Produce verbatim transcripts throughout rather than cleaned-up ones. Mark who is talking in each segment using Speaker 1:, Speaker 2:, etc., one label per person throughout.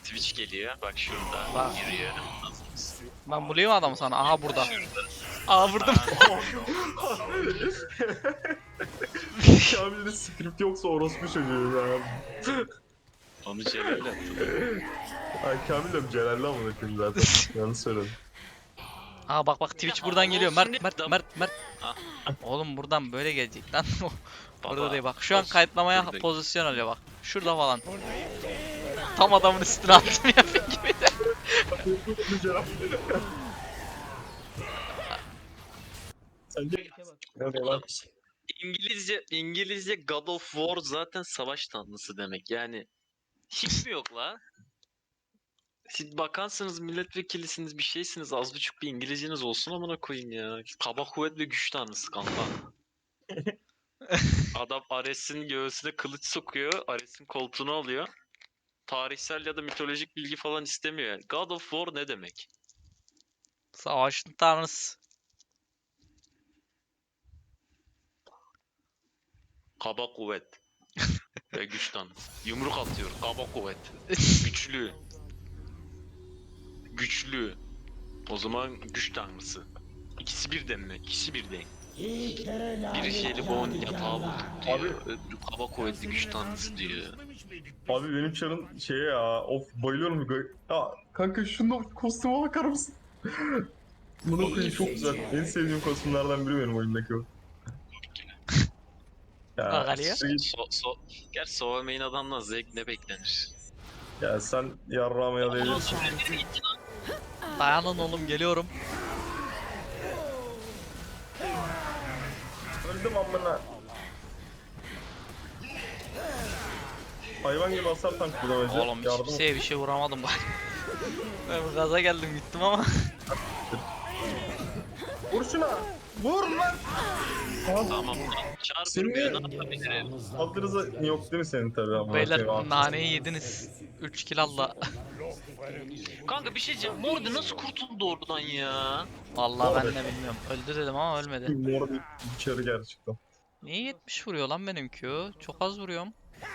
Speaker 1: Twitch geliyor. Bak şurada.
Speaker 2: Bak.
Speaker 1: Giriyor.
Speaker 2: Ben bulayım adamı sana. Aha burada. Aha vurdum.
Speaker 3: Kamil'de script yoksa orospu çocuğu ya.
Speaker 1: Onu Celal'le attı.
Speaker 3: Ay Kamil de Celal'le amına koyayım zaten. Yanlış söyledim.
Speaker 2: Aha bak bak Twitch buradan geliyor. Mert Mert Mert Mert.
Speaker 1: Ah.
Speaker 2: Oğlum buradan böyle gelecek lan. Burada
Speaker 1: Baba,
Speaker 2: değil bak. Şu an
Speaker 1: olsun.
Speaker 2: kayıtlamaya
Speaker 1: Burada.
Speaker 2: pozisyon alıyor bak. Şurada falan. Tam adamın üstüne attım ya gibi.
Speaker 3: Sence
Speaker 1: İngilizce İngilizce God of War zaten savaş tanrısı demek. Yani hiç mi yok la? Siz bakansınız milletvekilisiniz bir şeysiniz az buçuk bir İngilizceniz olsun amına koyayım ya. Kaba kuvvet ve güç tanrısı kanka. Adam Ares'in göğsüne kılıç sokuyor. Ares'in koltuğunu alıyor. Tarihsel ya da mitolojik bilgi falan istemiyor yani. God of War ne demek?
Speaker 2: Savaşın tanrısı.
Speaker 1: Kaba kuvvet ve güç tanrısı. Yumruk atıyor. Kaba kuvvet. Güçlü. Güçlü. O zaman güç tanrısı. İkisi birden mi? İkisi birden. Biri Jelibon yatağı bulduk diyor. Öbürü kaba kuvvetli güç tanrısı diyor.
Speaker 3: abi benim çarın şeye ya of bayılıyorum. bu- Ya kanka şunda kostüme bakar mısın? Bunu koyayım çok güzel. En sevdiğim kostümlerden biri benim oyundaki o. Ya,
Speaker 2: Bak Ali ya.
Speaker 3: şey-
Speaker 1: So, so, gerçi Sovamain adamdan zevk ne beklenir?
Speaker 3: ya sen yarrağıma yalayabilirsin.
Speaker 2: Dayanın oğlum geliyorum.
Speaker 3: Öldüm amına. Hayvan gibi hasar tank kullanacak.
Speaker 2: Oğlum hiç
Speaker 3: Yardım
Speaker 2: kimseye bir şey vuramadım bak. Ben bu gaza geldim gittim ama.
Speaker 3: Vur şuna. Vur lan.
Speaker 1: Tamam. Çağır
Speaker 3: Seni-
Speaker 1: vurmuyor ne yapabilirim?
Speaker 3: Saldırıza yok değil mi senin tabii ama.
Speaker 2: Beyler
Speaker 3: Şey,
Speaker 2: naneyi yediniz. üç kill alla.
Speaker 1: Kanka bir şey diyeceğim. Mordi nasıl kurtuldu oradan ya?
Speaker 2: Vallahi ben de bilmiyorum. Öldü dedim ama ölmedi.
Speaker 3: Mor bir içeri gerçekten.
Speaker 2: Niye yetmiş vuruyor lan benimki o? Çok az vuruyorum.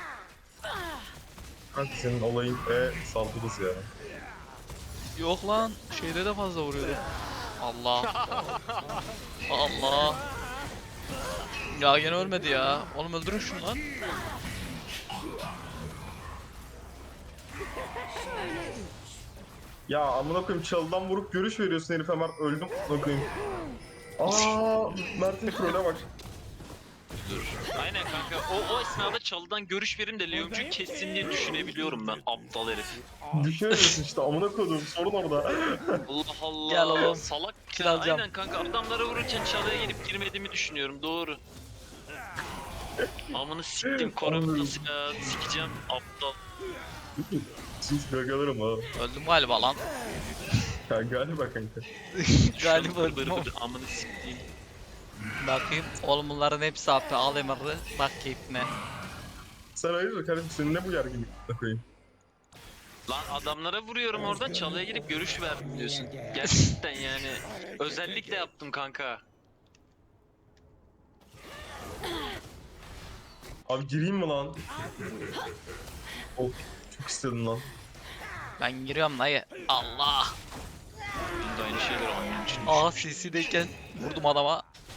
Speaker 3: Kanka senin olayın e saldırırız ya.
Speaker 2: Yok lan şeyde de fazla vuruyordu. Allah. Allah. Ya gene ölmedi ya. Oğlum öldürün şunu lan.
Speaker 3: Ya amına koyayım çalıdan vurup görüş veriyorsun herif hemen öldüm amına koyayım. Aaa Mert'in trole bak.
Speaker 1: Dur. Aynen kanka. O, o esnada çalıdan görüş verim de Leoncu kessin diye düşünebiliyorum ben aptal herif.
Speaker 3: Düşünüyorsun işte amına koyduğum sorun orada.
Speaker 1: Allah Allah.
Speaker 2: Gel oğlum.
Speaker 1: Salak.
Speaker 2: Kill
Speaker 1: Ya,
Speaker 2: alacağım.
Speaker 1: aynen kanka adamlara vururken çalıya gelip girmediğimi düşünüyorum. Doğru. Amını siktim korumdası ya. Sikeceğim aptal.
Speaker 3: Siz gagalarım ha.
Speaker 2: Öldüm galiba lan.
Speaker 3: Ya galiba kanka.
Speaker 2: Galiba
Speaker 1: Şunu
Speaker 2: öldüm
Speaker 1: bır
Speaker 2: ama.
Speaker 1: bır amını siktiğim.
Speaker 2: Bakayım. Oğlum bunların hepsi A P. Al emarı. Bak keyfine.
Speaker 3: Sen hayırdır kardeşim senin ne bu gerginlik amına koyayım.
Speaker 1: Lan adamlara vuruyorum oradan çalıya gelip görüş ver diyorsun. Gerçekten yani. Özellikle yaptım kanka.
Speaker 3: Abi gireyim mi lan? Of çok istedim lan.
Speaker 2: Ben giriyorum dayı. Allah.
Speaker 1: Ben de aynı şeyleri anlıyorum için.
Speaker 2: Aa C C'deyken vurdum adama.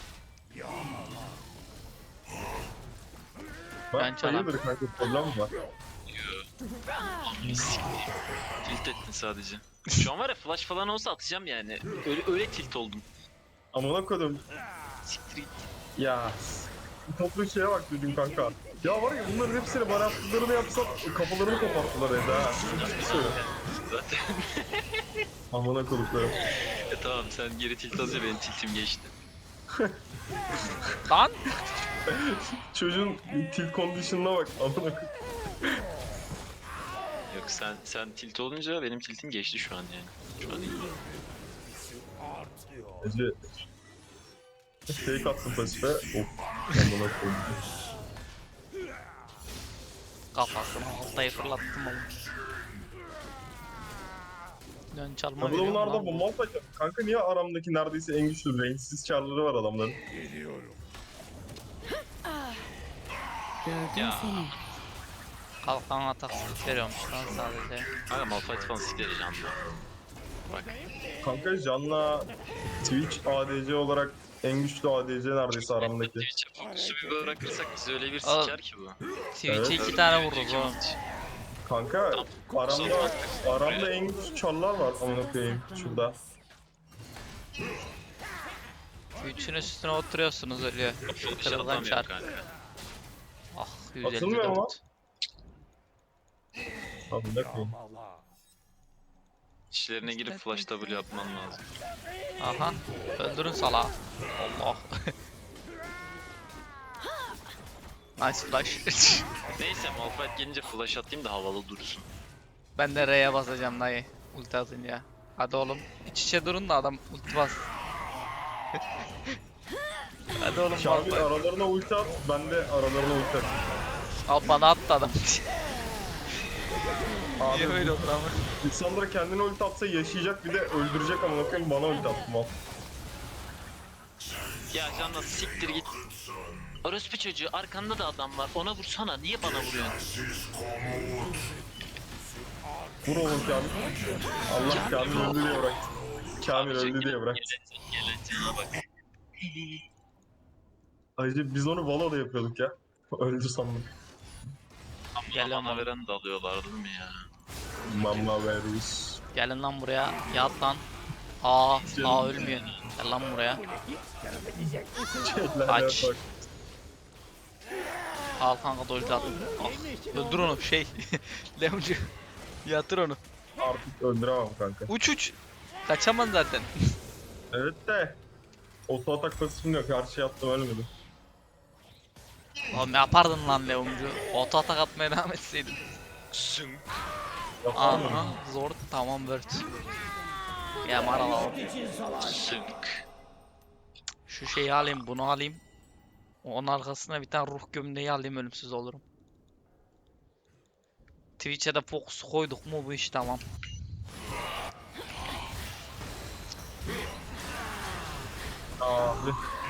Speaker 2: Ben
Speaker 3: Ben
Speaker 2: çalam.
Speaker 3: hayırdır kanka problem mi var?
Speaker 1: Amını siktiğim. Tilt ettin sadece. Şu an var ya flash falan olsa atacağım yani. Öyle, öyle tilt oldum.
Speaker 3: Amına koydum.
Speaker 1: Siktir git.
Speaker 3: Ya toplu şeye bak dedim kanka. Ya var ya bunların hepsini bana yaptıklarını yapsam kafalarını koparttılar evde ha. Hiçbir şey yok.
Speaker 1: Zaten.
Speaker 3: Amına koduklarım.
Speaker 1: E tamam sen geri tilt alınca benim tiltim geçti.
Speaker 2: Lan.
Speaker 3: Çocuğun tilt condition'ına bak amına koyayım.
Speaker 1: Yok sen sen tilt olunca benim tiltim geçti şu an yani. Şu an iyi.
Speaker 3: Ece fake attım pasife. Of amına koyayım.
Speaker 2: Kafasını altayı fırlattım oğlum. Dön çalma
Speaker 3: Ya bu da
Speaker 2: veriyorum
Speaker 3: bunlarda
Speaker 2: lan.
Speaker 3: bomba atacak. Kanka niye aramdaki neredeyse en güçlü range'siz çarları var adamların?
Speaker 1: Ya.
Speaker 2: Kalkan atak skill veriyormuş lan sadece.
Speaker 1: Kanka Malphite falan sikleri canlı. Bak.
Speaker 3: Kanka Jan'la Twitch A D C olarak en güçlü A D C neredeyse aramdaki.
Speaker 1: Twitch'e fokusu bir bırakırsak bizi öyle bir
Speaker 2: Oğlum.
Speaker 1: siker ki bu.
Speaker 2: Twitch'e
Speaker 3: Evet.
Speaker 2: iki tane vururuz oğlum.
Speaker 3: Kanka
Speaker 1: Tamam.
Speaker 3: aramda aramda en güçlü çarlar var amına koyayım şurada.
Speaker 2: Twitch'in üstüne oturuyorsunuz ölüyor.
Speaker 1: Full iş
Speaker 2: Kırılgan
Speaker 1: atamıyor
Speaker 2: çar.
Speaker 1: kanka.
Speaker 2: Ah
Speaker 3: Atılmıyor ama.
Speaker 2: yüz elli dört.
Speaker 3: Amına koyayım.
Speaker 1: İşlerine girip flash W yapman lazım.
Speaker 2: Aha. Öldürün salağı. Allah. Nice flash.
Speaker 1: Neyse Malphite gelince flash atayım da havalı dursun.
Speaker 2: Ben de R'ye basacağım dayı. Ulti atınca. Hadi oğlum. İç içe durun da adam ulti bas. Hadi oğlum
Speaker 3: Kamil
Speaker 2: bas.
Speaker 3: aralarına ulti at, ben de aralarına ulti at.
Speaker 2: Al bana attı adam.
Speaker 3: Abi
Speaker 2: Niye öyle olur ama?
Speaker 3: Lissandra kendine ulti atsa yaşayacak bir de öldürecek amına koyayım bana ulti attı mal.
Speaker 1: Ya Canla siktir git. Orospu çocuğu arkanda da adam var. Ona vursana. Niye bana vuruyorsun?
Speaker 3: Vur oğlum Kamil. Allah Kamil öldü diye bırak. Kamil öldü diye bırak.
Speaker 1: Geleceğine bak.
Speaker 3: Ayrıca biz onu Valo'da yapıyorduk ya. Öldü sandım.
Speaker 2: Gel
Speaker 1: Ama
Speaker 2: ama.
Speaker 1: bana veren de alıyorlar değil mi ya?
Speaker 3: Mamma veririz.
Speaker 2: Gelin lan buraya. Yat lan. Aa, aa ölmüyor. Gel lan buraya.
Speaker 3: Şeyler
Speaker 2: Aç.
Speaker 3: bak.
Speaker 2: Al kanka da ulti at. Ah, öldür onu şey. Leoncu. Yatır onu.
Speaker 3: Artık öldüremem kanka.
Speaker 2: Uç uç. Kaçamaz zaten.
Speaker 3: Evet de. Oto atak pasifim yok. Her şey yaptım ölmedi.
Speaker 2: Oğlum yapardın lan Leoncu. Oto atak atmaya devam etseydin.
Speaker 1: Zünk.
Speaker 3: Yapar mı?
Speaker 2: Aha zor tamam word. Ya maralalım.
Speaker 1: Zünk.
Speaker 2: Şu şeyi alayım bunu alayım. Onun arkasına bir tane ruh gömleği alayım ölümsüz olurum. Twitch'e de fokus koyduk mu bu iş tamam.
Speaker 3: Abi.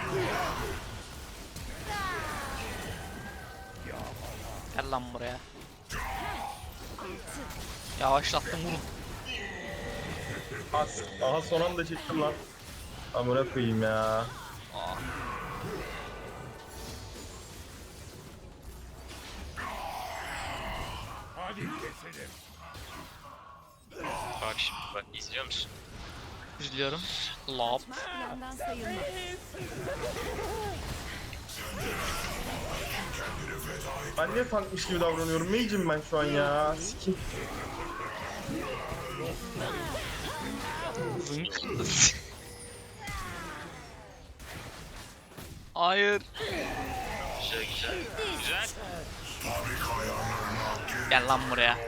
Speaker 2: Gel lan buraya. Yavaşlattım vurun.
Speaker 3: As. Aha son anda çektim lan. Amına koyayım ya.
Speaker 2: Aa.
Speaker 1: Bak şimdi bak izliyor musun?
Speaker 2: İzliyorum. Lop.
Speaker 4: Plandan sayılmaz.
Speaker 3: Ben niye tankmış gibi davranıyorum? Mage'im ben şu an ya. Sikim.
Speaker 2: Zınk. Hayır.
Speaker 1: Güzel güzel. Güzel.
Speaker 2: Gel lan buraya.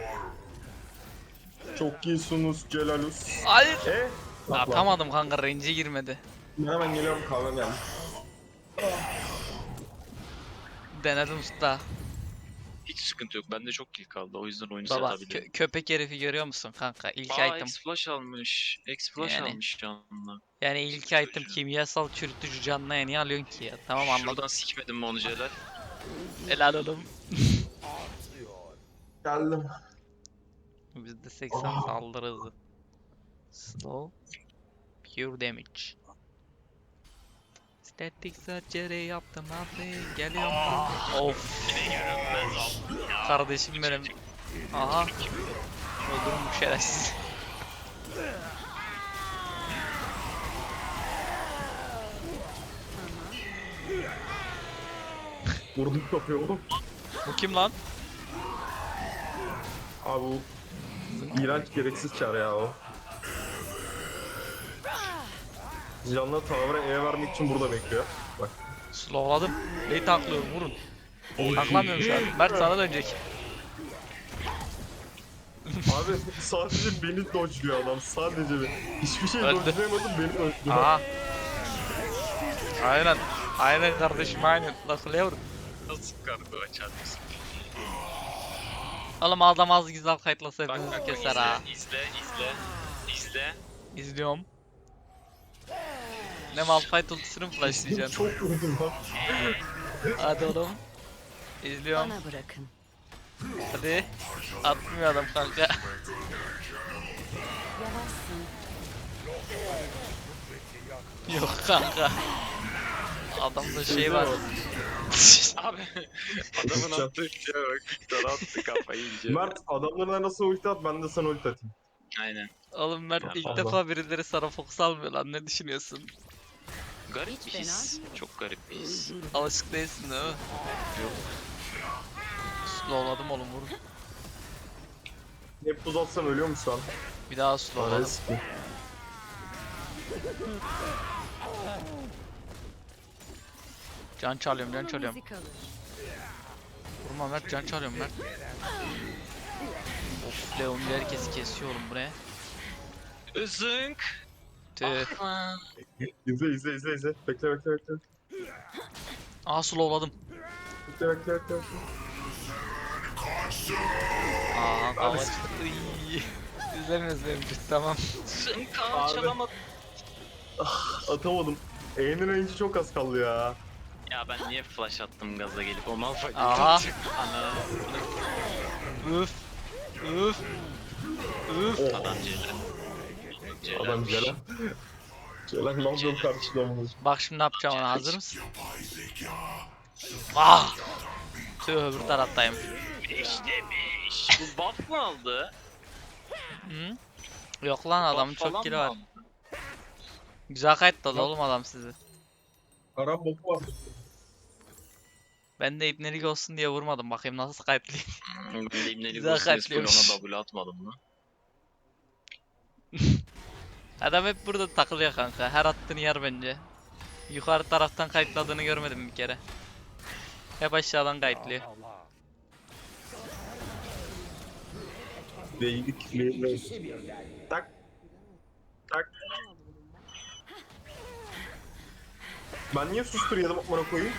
Speaker 3: Çok iyisunuz Celalus.
Speaker 2: Hayır.
Speaker 3: E? Bak lan.
Speaker 2: Atamadım kanka range'e girmedi.
Speaker 3: Ben hemen geliyorum kahve geldi.
Speaker 2: Denedim usta.
Speaker 1: Hiç sıkıntı yok. Bende çok kill kaldı. O yüzden oyunu
Speaker 2: Baba
Speaker 1: satabilirim.
Speaker 2: kö- köpek herifi görüyor musun kanka? İlk
Speaker 1: Aa
Speaker 2: item.
Speaker 1: X-Flash almış. X-Flash
Speaker 2: Yani.
Speaker 1: almış canlı.
Speaker 2: Yani ilk item kimyasal çürütücü canlıya niye alıyorsun ki ya? Tamam anladım.
Speaker 1: Şuradan sikmedim mi onu Celal?
Speaker 2: Helal oğlum.
Speaker 3: Geldim.
Speaker 2: Bizde seksen saldırı hızı. Slow. Pure damage. Static surgery yaptım abi. Geliyorum. Of. Kardeşim benim. Aha. Öldürün bu şerefsiz.
Speaker 3: Vurdum kapıyı oğlum.
Speaker 2: Bu kim lan?
Speaker 3: Abi bu iğrenç gereksiz çar ya o. Canlı tavra E vermek için burada bekliyor. Bak.
Speaker 2: Slowladım. Neyi tanklıyorum vurun. Tanklamıyorum şu an. Mert sana dönecek.
Speaker 3: Abi sadece beni dodge'luyor adam. Sadece beni. Hiçbir şey
Speaker 2: Öldü.
Speaker 3: dodge'layamadım beni dodge'luyor.
Speaker 2: Aha. Aynen. Aynen kardeşim aynen. Nasıl yavrum?
Speaker 1: Nasıl kargo açar mısın?
Speaker 2: Oğlum adam az güzel kayıtlasa
Speaker 1: Bak
Speaker 2: hepimizi
Speaker 1: bak
Speaker 2: keser
Speaker 1: izle,
Speaker 2: ha.
Speaker 1: izle izle izle.
Speaker 2: İzliyorum. Ne Malphite ultisini mi flashlayacaksın?
Speaker 3: Çok vurdum lan.
Speaker 2: Hadi oğlum. İzliyorum.
Speaker 4: Bana bırakın.
Speaker 2: Hadi. Atmıyor adam kanka.
Speaker 4: Yavaşsın.
Speaker 2: Yok kanka. Adamda şey var.
Speaker 1: Abi adamın attığı şeye bak. Victor attı kafayı iyice.
Speaker 3: Mert adamlarına nasıl ulti at ben de sana ulti atayım.
Speaker 1: Aynen.
Speaker 2: Oğlum Mert ilk
Speaker 3: Allah.
Speaker 2: defa birileri sana fokus almıyor lan, ne düşünüyorsun?
Speaker 1: Garip
Speaker 4: Hiç
Speaker 1: bir
Speaker 4: fena
Speaker 1: his. Çok garip bir his.
Speaker 2: Alışık değilsin değil mi?
Speaker 1: Yok.
Speaker 2: Slowladım oğlum, vur.
Speaker 3: Hep buz atsam ölüyor musun lan?
Speaker 2: Bir daha slowladım.
Speaker 3: Eski.
Speaker 2: Can çalıyorum, can çalıyorum.
Speaker 4: izi kalır.
Speaker 2: Vurma Mert, can çalıyorum Mert. Of, Leon herkesi kesiyor oğlum, bu ne?
Speaker 1: Zınk.
Speaker 2: Tüh.
Speaker 1: Lan.
Speaker 3: İzle izle izle izle. Bekle bekle bekle.
Speaker 2: Aa, slowladım.
Speaker 3: Bekle bekle bekle. bekle.
Speaker 2: Aa, kavaç. İzlemiyoruz benim için, tamam.
Speaker 1: Zınk
Speaker 3: Abi.
Speaker 1: çalamadım.
Speaker 3: Atamadım. E'nin range'i çok az kaldı ya.
Speaker 1: Ya ben niye flash attım gaza gelip o Malphite
Speaker 2: Aha.
Speaker 1: atacak. Ana.
Speaker 2: Üf. Üf. Üf.
Speaker 3: Oh.
Speaker 1: Adam Ceylan. Ceylan.
Speaker 3: Adam Ceylan. Ceylan ne yapıyor karşılamamız?
Speaker 2: Bak şimdi ne yapacağım ona, hazır mısın? Ah! Tüh, öbür taraftayım.
Speaker 1: beşte beş. Bu buff mı aldı?
Speaker 2: Hı? Yok lan, adamın
Speaker 1: Buff falan
Speaker 2: çok kili
Speaker 1: mı
Speaker 2: var.
Speaker 1: aldı?
Speaker 2: Güzel kayıtladı
Speaker 3: Yok.
Speaker 2: oğlum adam sizi.
Speaker 3: Kara boku var.
Speaker 2: Ben de ibnelik olsun diye vurmadım, bakayım nasıl kayıtlayayım.
Speaker 1: Ben de İbneli
Speaker 2: Güzel
Speaker 1: Gosses full
Speaker 2: kalpliyormuş.
Speaker 1: ona W atmadım mı?
Speaker 2: Adam hep burada takılıyor kanka, her attığını yer bence. Yukarı taraftan kayıtladığını görmedim bir kere. Hep aşağıdan kayıtlıyor.
Speaker 3: Değdik. Değdik. Tak. Tak. Ben niye sustur yedim amına koyayım?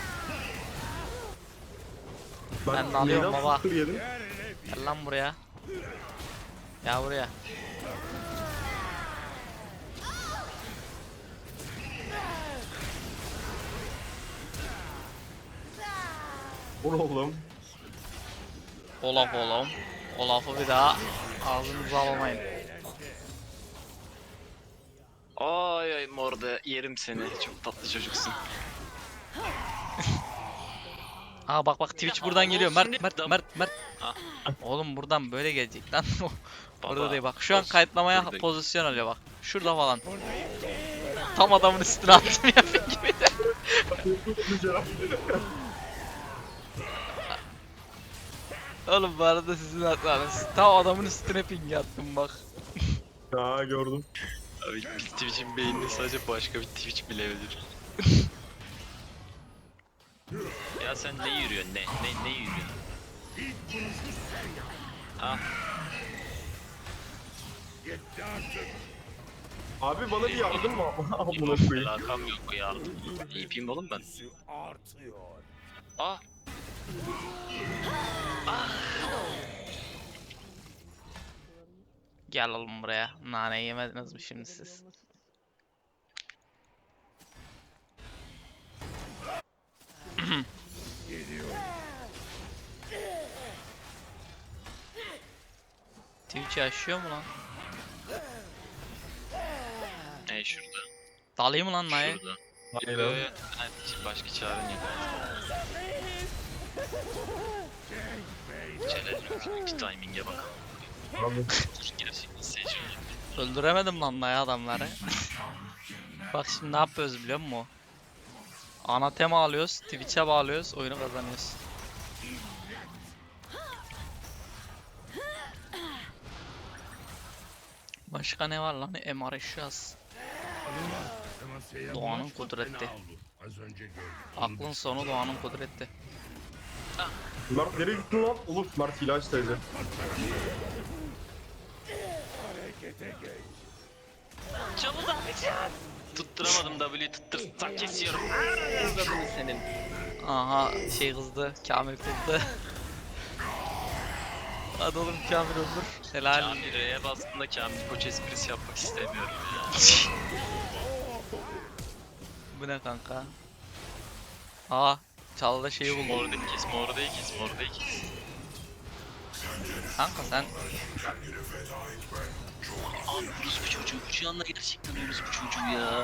Speaker 2: Ben de alıyorum
Speaker 3: neyden
Speaker 2: baba.
Speaker 3: sustur yedim?
Speaker 2: Gel lan buraya. Ya buraya.
Speaker 3: Vur oğlum.
Speaker 2: Olaf oğlum. Olaf'ı bir daha ağzınıza almayın.
Speaker 1: Ay ay morda yerim seni. Çok tatlı çocuksun.
Speaker 2: Aa bak bak, Twitch buradan geliyor. Mert Mert
Speaker 1: Şimdi-
Speaker 2: Mert Mert.
Speaker 1: Ah.
Speaker 2: Oğlum buradan böyle gelecek lan. Orada
Speaker 1: Baba,
Speaker 2: değil bak. Şu an
Speaker 1: olsun.
Speaker 2: kayıtlamaya
Speaker 1: Buradayım.
Speaker 2: pozisyon alıyor bak. Şurada falan. Tam adamın üstüne attım ya gibi de. Oğlum bu arada sizin hatanız. Tam adamın üstüne ping attım bak.
Speaker 3: Ha gördüm.
Speaker 1: Abi Twitch'in beynini sadece başka bir Twitch bilebilir. Ya sen ne yürüyorsun ne ne ne yürüyorsun? Ah
Speaker 3: Abi bana bir yardım mı? Amına koyayım.
Speaker 1: alakam yok ya. Ne yapayım oğlum ben? Ah.
Speaker 2: Gel oğlum buraya. Nane yemediniz mi şimdi siz? Twitch yaşıyor mu lan?
Speaker 1: Ne şurada?
Speaker 2: Dalayım mı lan Na'ya?
Speaker 1: Şurada.
Speaker 3: Hayır
Speaker 1: Yo,
Speaker 3: abi.
Speaker 1: yo, hadi şimdi başka çaren yok. Celal bir timing'e bakalım.
Speaker 3: Abi.
Speaker 1: Gerçekten seçiyorum.
Speaker 2: Öldüremedim lan Na'ya adamları. Bak şimdi ne yapıyoruz biliyor musun? Ana tema alıyoruz, Twitch'e bağlıyoruz, oyunu kazanıyoruz. Başka ne var lan? M R eşyası. Doğanın kudreti. Aklın sonu doğanın kudreti.
Speaker 3: Mert nereye gittin lan? Olur Mert ilaç teyze.
Speaker 1: Çabuk abi. Tutturamadım W'yi tuttursak kesiyorum. W senin.
Speaker 2: Aha şey kızdı, Kamil kızdı. Hadi oğlum Kamil öldür. Helal.
Speaker 1: Kamil R'ye bastığında Kamil Koç esprisi yapmak istemiyorum ya.
Speaker 2: Bu ne kanka? Aa çalıda şeyi buldum.
Speaker 1: Mordayı kes, mordayı kes, mordayı kes.
Speaker 2: kanka sen
Speaker 1: Abi orospu çocuğu şu anda gerçekten orospu çocuğu ya.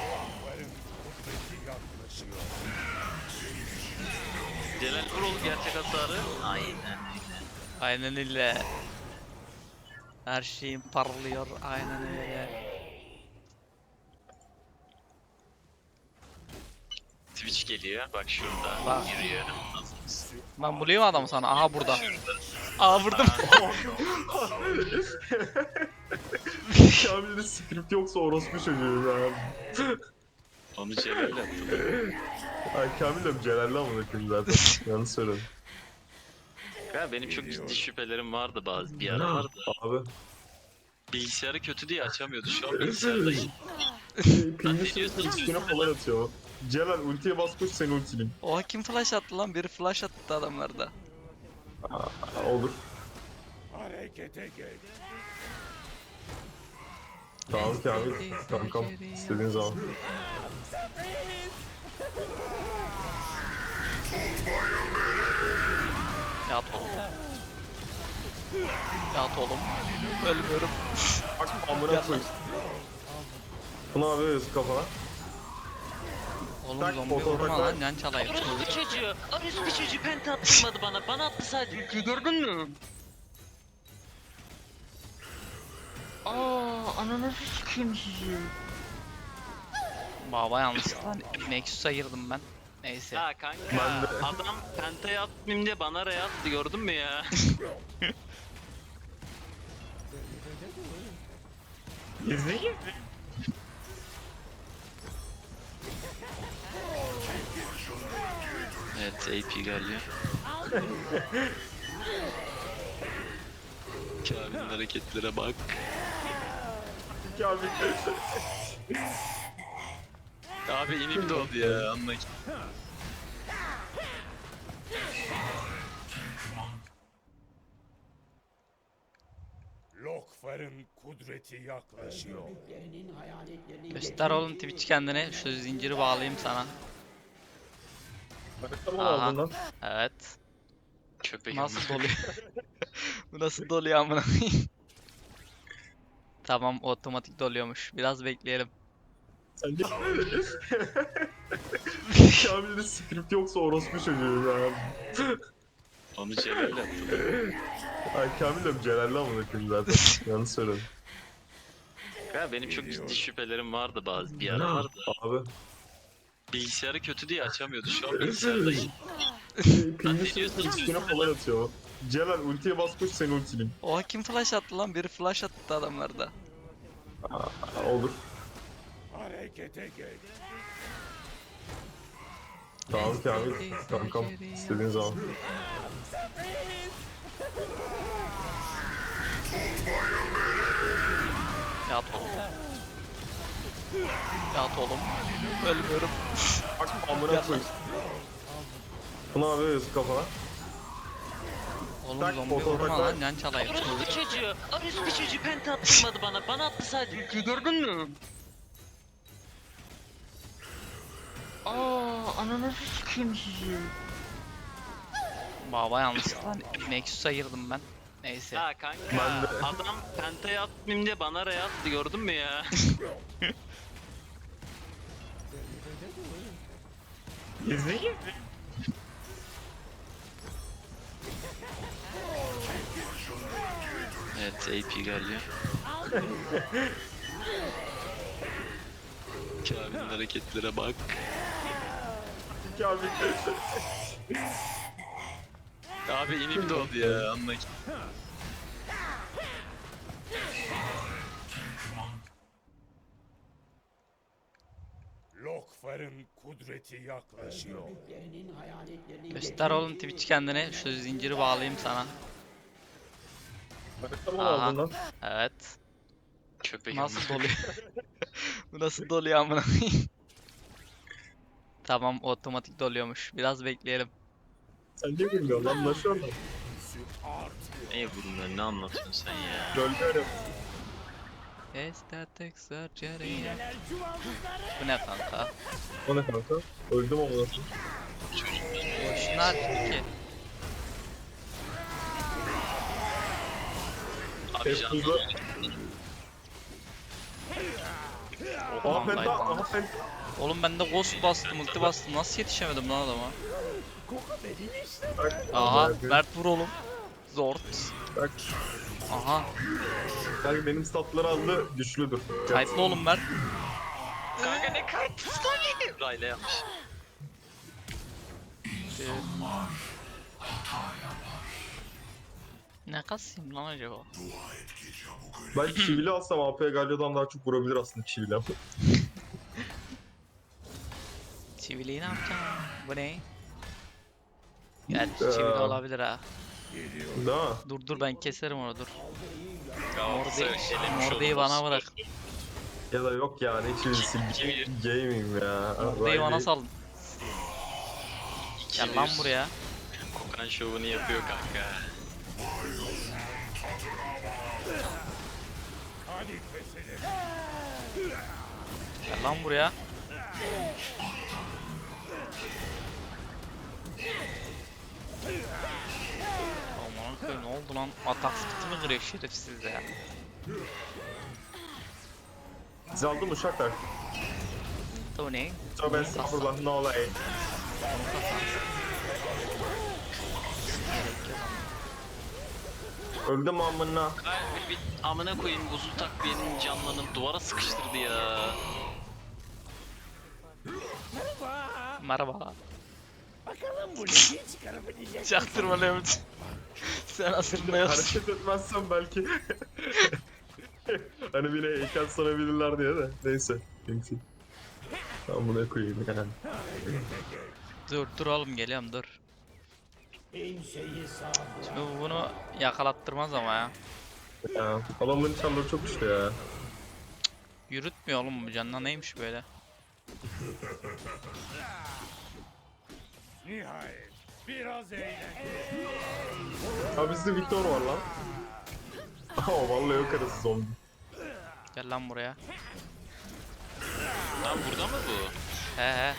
Speaker 1: Celal Vuroğlu gerçek hasarı. Aynen öyle.
Speaker 2: aynen öyle. Her şeyim parlıyor aynen öyle.
Speaker 1: Twitch geliyor. Bak şurada.
Speaker 2: Bak.
Speaker 1: Yürüyor.
Speaker 2: Ben bulayım adamı sana. Aha burada. Aa vurdum.
Speaker 3: Kamil'de script yoksa orospu çocuğu ya.
Speaker 1: Onu Celal yaptı.
Speaker 3: Ay Kamil de Celal'le amına koyayım zaten. Yanlış söyledim.
Speaker 1: Ya benim çok ciddi şüphelerim vardı bazı bir ara vardı.
Speaker 3: Abi.
Speaker 1: Bilgisayarı kötü diye açamıyordu. Şu an bilgisayardayım.
Speaker 3: Pingi sürekli üstüne falan atıyor. Celal ultiye bas koş seni ultileyim.
Speaker 2: Oha kim flash attı lan? Biri flash attı adamlarda.
Speaker 3: Aa, olur.
Speaker 4: Harekete geç.
Speaker 3: Tamam Kamil. Kankam. İstediğin zaman.
Speaker 2: Yat oğlum. Yat oğlum. Ölmüyorum.
Speaker 3: Bak amına koy. Bunu abi yazık kafana.
Speaker 2: Oğlum
Speaker 3: Tak,
Speaker 2: zombi
Speaker 3: fotoğraf
Speaker 2: vurma
Speaker 3: var.
Speaker 2: lan yan çalayım.
Speaker 1: Orospu çocuğu. Orospu çocuğu penta attırmadı bana. Bana attı sadece. Gördün mü? Aa, ananı sikeyim sizi.
Speaker 2: Baba yanlışlıkla Nexus'a girdim ben. Neyse.
Speaker 1: Ya kanka
Speaker 3: Ben de-
Speaker 1: adam pentayı atmayayım diye bana ray attı gördün mü ya?
Speaker 3: İzleyin.
Speaker 1: Evet A P geliyor. Kamil'in hareketlere bak.
Speaker 3: Kamil.
Speaker 1: Abi inim doğdu ya anla ki.
Speaker 4: Lokfar'ın kudreti yaklaşıyor.
Speaker 2: Göster oğlum Twitch kendini. Şu zinciri bağlayayım sana.
Speaker 3: Tamam
Speaker 2: Aha.
Speaker 3: aldın lan.
Speaker 2: Evet.
Speaker 1: Köpek
Speaker 2: Nasıl doluyor? Bu nasıl doluyor amına koyayım? Tamam otomatik doluyormuş. Biraz bekleyelim.
Speaker 3: Sen de... Kamil'de script yoksa orospu çocuğu ya.
Speaker 1: Onu Celal yaptı.
Speaker 3: Ay Kamil de Celal'le amına koyayım zaten. Yanlış söyledim.
Speaker 1: Ya benim çok ciddi şüphelerim vardı bazı bir ara vardı.
Speaker 3: Abi.
Speaker 1: Bilgisayarı kötü diye açamıyordu şu an bilgisayardayım.
Speaker 3: Pingi sürekli üstüne falan atıyor. Celal ultiye bas koş seni ultileyim.
Speaker 2: Oha kim flash attı lan? Biri flash attı adamlarda.
Speaker 3: Aa, olur.
Speaker 4: Harekete geç.
Speaker 3: Tamam Kamil. Kankam. İstediğin zaman.
Speaker 2: Yat oğlum. Yat oğlum. Ölmüyorum.
Speaker 3: Bak amına koy. Bunu abi yazık kafana.
Speaker 2: Oğlum
Speaker 3: Tak,
Speaker 2: zombi
Speaker 3: fotoğraf
Speaker 2: vurma
Speaker 3: var.
Speaker 2: lan yan çalayım.
Speaker 1: Orospu çocuğu. Orospu çocuğu penta attırmadı bana. Bana attı sadece. Gördün mü? Aa, ananı sikeyim sizi.
Speaker 2: Baba yanlışlıkla Nexus'a girdim ben. Neyse.
Speaker 1: Ya kanka
Speaker 3: Ben de-
Speaker 1: adam pentayı atmayayım diye bana ray attı gördün mü ya?
Speaker 3: İzleyin.
Speaker 1: Evet A P geliyor. Kamil'in hareketlere bak.
Speaker 3: Kamil.
Speaker 1: Abi inim doğdu ya anla ki.
Speaker 4: Lokfar'ın kudreti yaklaşıyor.
Speaker 2: Göster oğlum Twitch kendini. Şu zinciri bağlayayım sana.
Speaker 3: Tamam
Speaker 2: Aha.
Speaker 3: aldın lan.
Speaker 2: Evet.
Speaker 1: Köpek
Speaker 2: Nasıl doluyor? Bu nasıl doluyor amına koyayım? Tamam otomatik doluyormuş. Biraz bekleyelim.
Speaker 3: Sen ne bilmiyorsun lan nasıl öyle?
Speaker 1: Neye vurun ne anlatıyorsun sen ya?
Speaker 3: Gölge öyle.
Speaker 2: Estetik surgery. Bu ne kanka?
Speaker 3: O ne kanka? Öldüm ama nasıl?
Speaker 2: Boşuna ki.
Speaker 1: Abi
Speaker 3: Hep
Speaker 1: canım.
Speaker 3: hızlı. Aha
Speaker 2: Aman
Speaker 3: penta,
Speaker 2: Titan.
Speaker 3: aha penta.
Speaker 2: Oğlum ben de ghost bastım, ulti bastım. Nasıl yetişemedim lan adama? Aha, Mert vur oğlum. Zort.
Speaker 3: Bak,
Speaker 2: Aha,
Speaker 3: bak benim statları aldı, güçlüdür.
Speaker 2: kayıtlı oğlum Mert.
Speaker 1: Kanka ne kayıtsız lan. Rayla yapmış.
Speaker 2: Ee, Ne kasayım lan acaba?
Speaker 3: Ben çivili alsam A P Galio'dan daha çok vurabilir aslında çivili ama.
Speaker 2: Çiviliyi ne yapacağım? Bu ne? Gerçi
Speaker 3: Ee,
Speaker 2: çivili olabilir ha.
Speaker 3: Değil mi?
Speaker 2: Dur dur ben keserim onu dur.
Speaker 1: Galatasaray
Speaker 2: Mordeyi,
Speaker 1: elemiş
Speaker 2: Mordeyi
Speaker 1: oldu.
Speaker 2: bana bırak.
Speaker 3: Ya da yok ya ne çivilisi,
Speaker 1: Çivili.
Speaker 3: gaming ya.
Speaker 2: Mordeyi bana
Speaker 3: Riley.
Speaker 2: salın. Gel lan buraya.
Speaker 1: Kokan şovunu yapıyor kanka.
Speaker 4: Hadi keselim.
Speaker 2: Gel lan buraya. Aman koyayım ne oldu lan? Atak sıkıntı kırıyor şerefsiz ya.
Speaker 3: Siz aldın mı uşaklar?
Speaker 2: Bu ne?
Speaker 3: Tövbe estağfurullah ne olay.
Speaker 2: Gerek yok ama.
Speaker 3: Öldüm amına.
Speaker 1: Kalbi bir amına koyayım buzul takviyenin canlanıp duvara sıkıştırdı ya.
Speaker 2: Merhaba.
Speaker 4: Bakalım bu ligi çıkarabilecek.
Speaker 2: Çaktırma Levent. Sen asılmıyorsun.
Speaker 3: Hareket etmezsem belki. Hani bile heykel sanabilirler diye de. Neyse. Neyse. Ben buna koyayım yani.
Speaker 2: Dur dur oğlum geliyorum dur.
Speaker 4: Kimseyi sağ
Speaker 2: Şimdi bu bunu yakalattırmaz ama ya.
Speaker 3: Ya, adamların çarları çok güçlü ya.
Speaker 2: Yürütmüyor oğlum bu canına neymiş böyle?
Speaker 4: Nihayet. Biraz eğlence.
Speaker 3: Ha bizde Victor var lan. Aha vallahi yok arası zombi.
Speaker 2: Gel lan buraya.
Speaker 1: Lan burada mı bu?
Speaker 2: He he.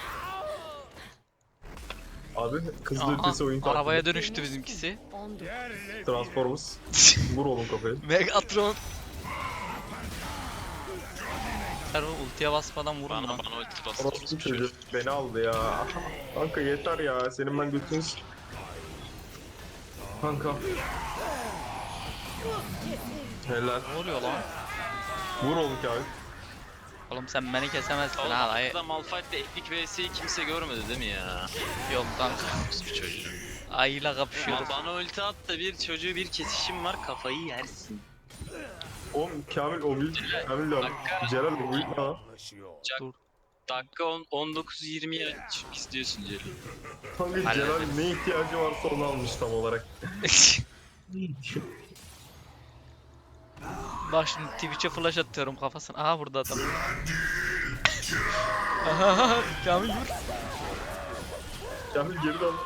Speaker 3: Abi kızlı
Speaker 2: Aha,
Speaker 3: ötesi oyun takibi.
Speaker 2: arabaya dönüştü bizimkisi.
Speaker 4: Yerle
Speaker 3: Transformers. Vur oğlum kafayı.
Speaker 2: Megatron. Sen o ultiye basmadan vurun
Speaker 1: Bana
Speaker 2: lan.
Speaker 1: bana ulti bastı.
Speaker 3: Orospu çocuğu beni aldı ya. Kanka yeter ya. Senin ben götünüz. Kanka. Helal.
Speaker 2: Ne oluyor lan?
Speaker 3: Vur oğlum ki abi.
Speaker 2: Oğlum sen beni kesemezsin
Speaker 1: Oğlum
Speaker 2: ha dayı.
Speaker 1: aslında Malphite'de Epic vs'yi kimse görmedi değil mi ya?
Speaker 2: Yok kanka.
Speaker 1: Bir çocuğu.
Speaker 2: Ayıyla
Speaker 1: Ama
Speaker 2: kapışıyoruz.
Speaker 1: bana ulti at da bir çocuğu bir kesişim var kafayı yersin.
Speaker 3: Oğlum Kamil o büyük. Kamil de Celal o büyük lan.
Speaker 4: yaklaşıyor.
Speaker 1: Dakika on- on dokuz yirmiye çık istiyorsun Celil.
Speaker 3: Kanka
Speaker 2: Hadi.
Speaker 3: Celal ne ihtiyacı varsa onu almış tam olarak.
Speaker 2: Bak şimdi Twitch'e flash atıyorum kafasına. Aha burada adam. Aha Kamil vur.
Speaker 3: Kamil geri dön.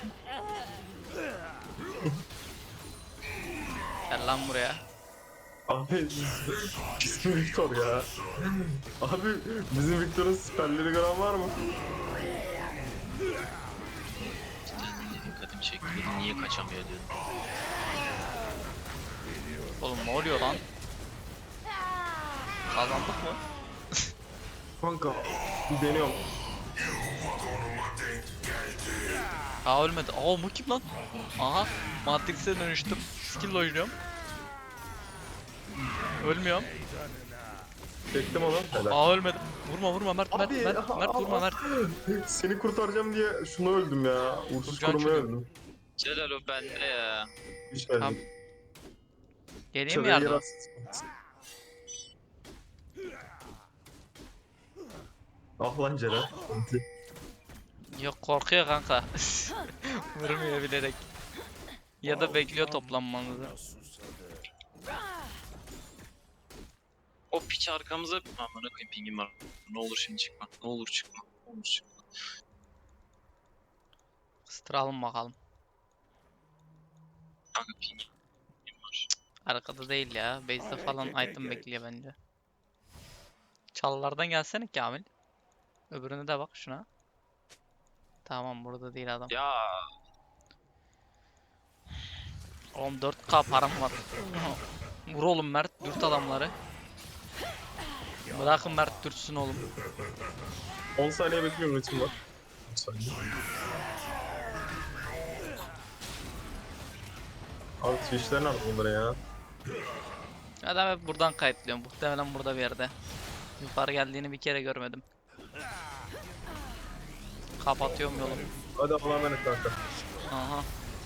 Speaker 2: Gel lan buraya.
Speaker 3: Abi bizim Victor ya. Abi bizim Victor'un siperleri gören var mı?
Speaker 1: Dikkatimi çekti. Niye kaçamıyor diyordum.
Speaker 2: Oğlum ne oluyor lan? Kazandık mı?
Speaker 3: Kanka bir deniyorum.
Speaker 2: Aa ölmedi. Aa bu kim lan? Aha Matrix'e dönüştüm. Skill oynuyorum. Ölmüyorum.
Speaker 3: Çektim onu. Helal.
Speaker 2: Aa ölmedim. Vurma vurma Mert Mert
Speaker 3: Abi,
Speaker 2: Mert,
Speaker 3: aha,
Speaker 2: Mert vurma
Speaker 3: aha.
Speaker 2: Mert.
Speaker 3: Seni kurtaracağım diye şunu öldüm ya. Uğursuz
Speaker 2: Kurcan
Speaker 3: korumaya
Speaker 2: çocuğu.
Speaker 3: öldüm.
Speaker 1: Celal o bende ya.
Speaker 3: Hiç geldim.
Speaker 2: Tamam. Geleyim mi
Speaker 3: Çarıya
Speaker 2: yardım?
Speaker 3: yer Ah lan Celal.
Speaker 2: Yok korkuyor kanka. Vurmuyor bilerek. Ya da bekliyor toplanmanızı.
Speaker 1: O piç arkamıza... Amına koyayım pingim var. Ne olur şimdi çıkma. Ne olur çıkma. Ne olur çıkma.
Speaker 2: Kıstıralım bakalım.
Speaker 1: Kanka pingim var.
Speaker 2: Arkada değil ya. Base'de falan item bekliyor bence. Çalılardan gelsene Kamil. Öbürüne de bak şuna. Tamam burada değil adam.
Speaker 1: Ya
Speaker 2: Oğlum dört K param var. Vur oğlum Mert, dürt adamları. Bırakın Mert dürtsün oğlum.
Speaker 3: on saniye bekliyorum, ritim var. on saniye. Abi Twitch'ler nerede bunları ya?
Speaker 2: Adam hep buradan kayıtlıyor. Muhtemelen burada bir yerde. Yukarı geldiğini bir kere görmedim. Kapatıyorum yolu.
Speaker 3: Hadi Allah'a emanet kanka.
Speaker 2: Aha.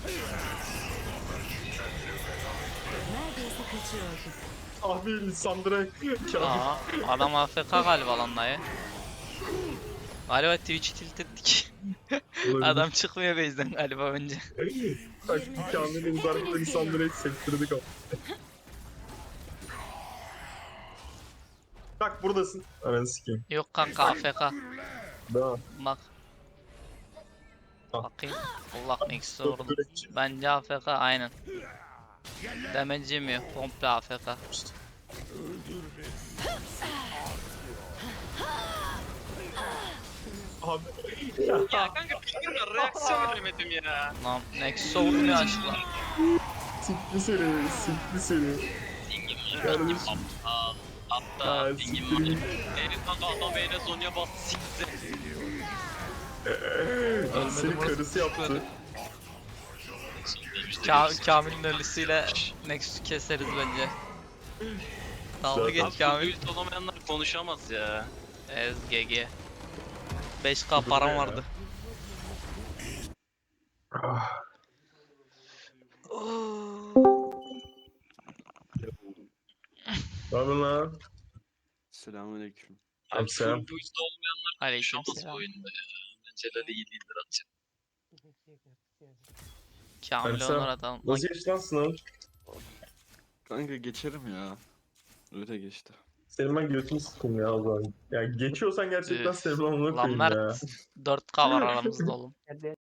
Speaker 5: Neredeyse kaçıyordum.
Speaker 3: Abi Lissandra Kamil.
Speaker 2: Aa, adam A F K galiba lan dayı. Galiba Twitch'i tilt ettik. Adam çıkmıyor base'den galiba önce.
Speaker 3: Bak Kamil'in uzarlıkta Lissandra'yı sektirdik abi. Bak buradasın. Ananı sikeyim.
Speaker 2: Yok kanka A F K.
Speaker 3: Daha.
Speaker 2: Bak.
Speaker 3: Ah.
Speaker 2: Bakayım. Allah neyse vurdum. Bence A F K aynen. Demeci mi? Komple A F K.
Speaker 3: Abi.
Speaker 1: Ya kanka bilmiyorum reaksiyon veremedim ya.
Speaker 2: Lan Nexus'a vurmuyor açıkla.
Speaker 3: Sikli seni, sikli seni.
Speaker 1: Dingin
Speaker 3: Yardım.
Speaker 1: dingin aptal. Hatta
Speaker 3: Ha,
Speaker 1: dingin
Speaker 3: siktir
Speaker 1: var.
Speaker 3: git.
Speaker 1: Herif kanka adam eline Zonya bas sikti.
Speaker 3: Seni
Speaker 2: burası
Speaker 3: karısı yaptı.
Speaker 2: Ka Kamil'in ölüsüyle Nexus'u keseriz bence. Dalga
Speaker 3: Zaten-
Speaker 2: geç
Speaker 1: Abi
Speaker 2: Kamil.
Speaker 1: Kamil olamayanlar konuşamaz ya.
Speaker 2: Ez G G. beş K param
Speaker 3: ya.
Speaker 2: vardı.
Speaker 3: Ah. Ne yapıyorsun lan?
Speaker 6: Selamünaleyküm.
Speaker 1: Abi
Speaker 3: Selam.
Speaker 1: full boost olmayanlar
Speaker 2: Aleyküm
Speaker 1: konuşamaz bu
Speaker 2: selam.
Speaker 1: oyunda ya. Celal iyi değildir atacak.
Speaker 2: Kamil'e
Speaker 3: Sen-
Speaker 2: onur atalım.
Speaker 3: Nasıl geçti lan sınav?
Speaker 6: Kanka geçerim ya. Öyle geçti.
Speaker 3: Senin ben götünü sıkım ya o zaman. Ya geçiyorsan gerçekten
Speaker 2: Üf.
Speaker 3: senin amına
Speaker 2: Lan
Speaker 3: koyayım ya.
Speaker 2: Mert dört K var aramızda oğlum.